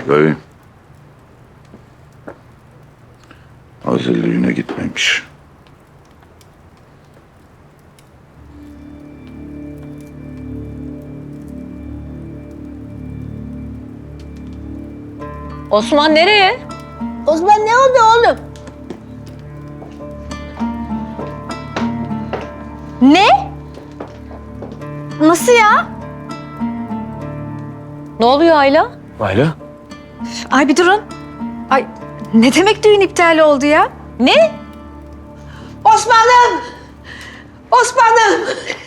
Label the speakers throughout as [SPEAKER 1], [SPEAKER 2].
[SPEAKER 1] Dayı. Azel düğüne gitmemiş.
[SPEAKER 2] Osman nereye?
[SPEAKER 3] Osman ne oldu oğlum?
[SPEAKER 2] Ne?
[SPEAKER 3] Nasıl ya?
[SPEAKER 2] Ne oluyor Ayla?
[SPEAKER 4] Ayla?
[SPEAKER 3] Ay bir durun. Ay ne demek düğün iptal oldu ya?
[SPEAKER 2] Ne?
[SPEAKER 5] Osman'ım! Osman'ım!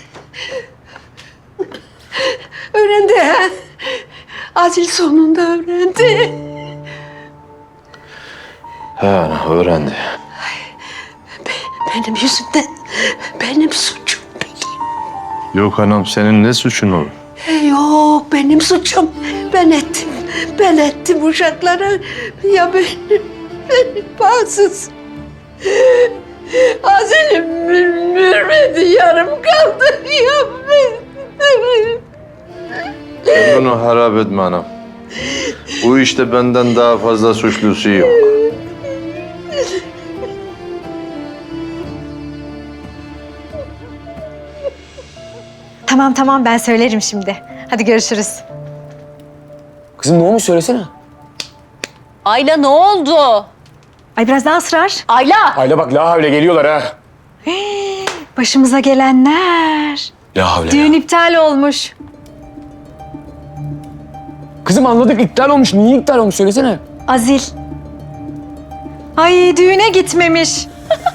[SPEAKER 5] Öğrendi ha? Azil sonunda öğrendi.
[SPEAKER 4] He ana öğrendi.
[SPEAKER 5] Benim yüzümden, benim suçum benim.
[SPEAKER 4] Yok anam senin ne suçun olur?
[SPEAKER 5] Yok benim suçum. Ben ettim uşaklara. Ya benim bağımsız. Azil'im mürmedi, yarım kaldı. Ya ben...
[SPEAKER 4] Sen bunu harap etme anam. Bu işte benden daha fazla suçlusu yok.
[SPEAKER 3] Tamam ben söylerim şimdi. Hadi görüşürüz.
[SPEAKER 6] Kızım ne olmuş söylesene.
[SPEAKER 2] Ayla ne oldu?
[SPEAKER 3] Ay biraz daha ısrar.
[SPEAKER 2] Ayla!
[SPEAKER 6] Ayla bak la havle geliyorlar ha.
[SPEAKER 3] Başımıza gelenler.
[SPEAKER 6] La havle.
[SPEAKER 3] Düğün iptal olmuş.
[SPEAKER 6] Kızım anladık iptal olmuş. Niye iptal olmuş söylesene.
[SPEAKER 3] Azil. Ay düğüne gitmemiş.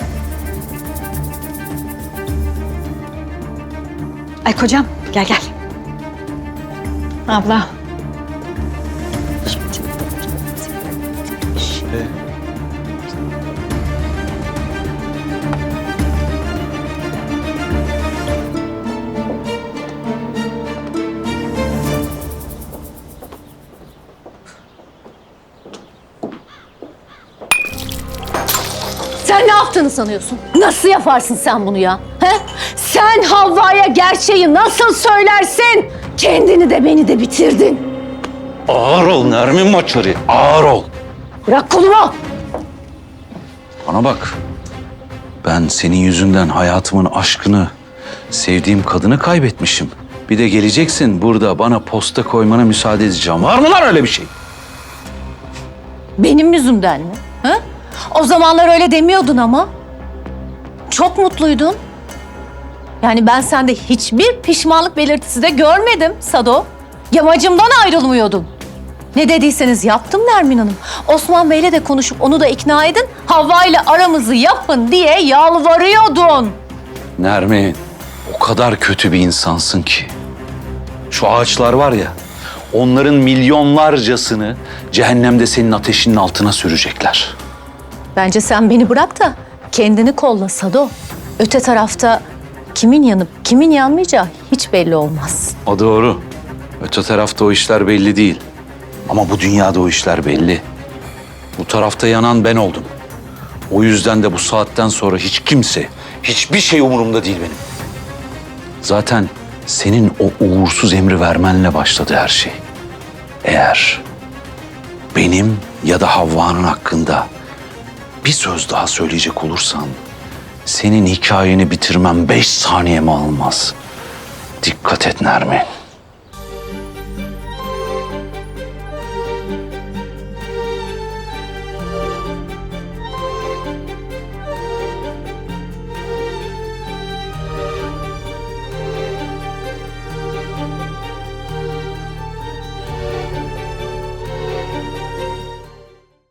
[SPEAKER 3] Ay kocam gel. Abla.
[SPEAKER 2] Sen ne yaptığını sanıyorsun? Nasıl yaparsın sen bunu ya? He? Sen Havva'ya gerçeği nasıl söylersin? Kendini de beni de bitirdin.
[SPEAKER 1] Ağır ol Nermin Maçarı, ağır ol.
[SPEAKER 2] Bırak kolumu!
[SPEAKER 1] Bana bak. Ben senin yüzünden hayatımın aşkını, sevdiğim kadını kaybetmişim. Bir de geleceksin burada bana posta koymana müsaade edeceğim. Var mı lan öyle bir şey?
[SPEAKER 2] Benim yüzümden mi? He? O zamanlar öyle demiyordun ama. Çok mutluydun. Yani ben sende hiçbir pişmanlık belirtisi de görmedim Sado. Yamacımdan ayrılmıyordun. Ne dediyseniz yaptım Nermin Hanım. Osman Bey'le de konuşup onu da ikna edin. Havva ile aramızı yapın diye yalvarıyordun.
[SPEAKER 1] Nermin, o kadar kötü bir insansın ki. Şu ağaçlar var ya, onların milyonlarcasını cehennemde senin ateşinin altına sürecekler.
[SPEAKER 2] Bence sen beni bırak da kendini kolla Sado. Öte tarafta kimin yanıp kimin yanmayacağı hiç belli olmaz.
[SPEAKER 1] O doğru. Öte tarafta o işler belli değil. Ama bu dünyada o işler belli. Bu tarafta yanan ben oldum. O yüzden de bu saatten sonra hiç kimse, hiçbir şey umurumda değil benim. Zaten senin o uğursuz emri vermenle başladı her şey. Eğer benim ya da Havva'nın hakkında bir söz daha söyleyecek olursan senin hikayeni bitirmem 5 saniyemi almaz. Dikkat et Nermin.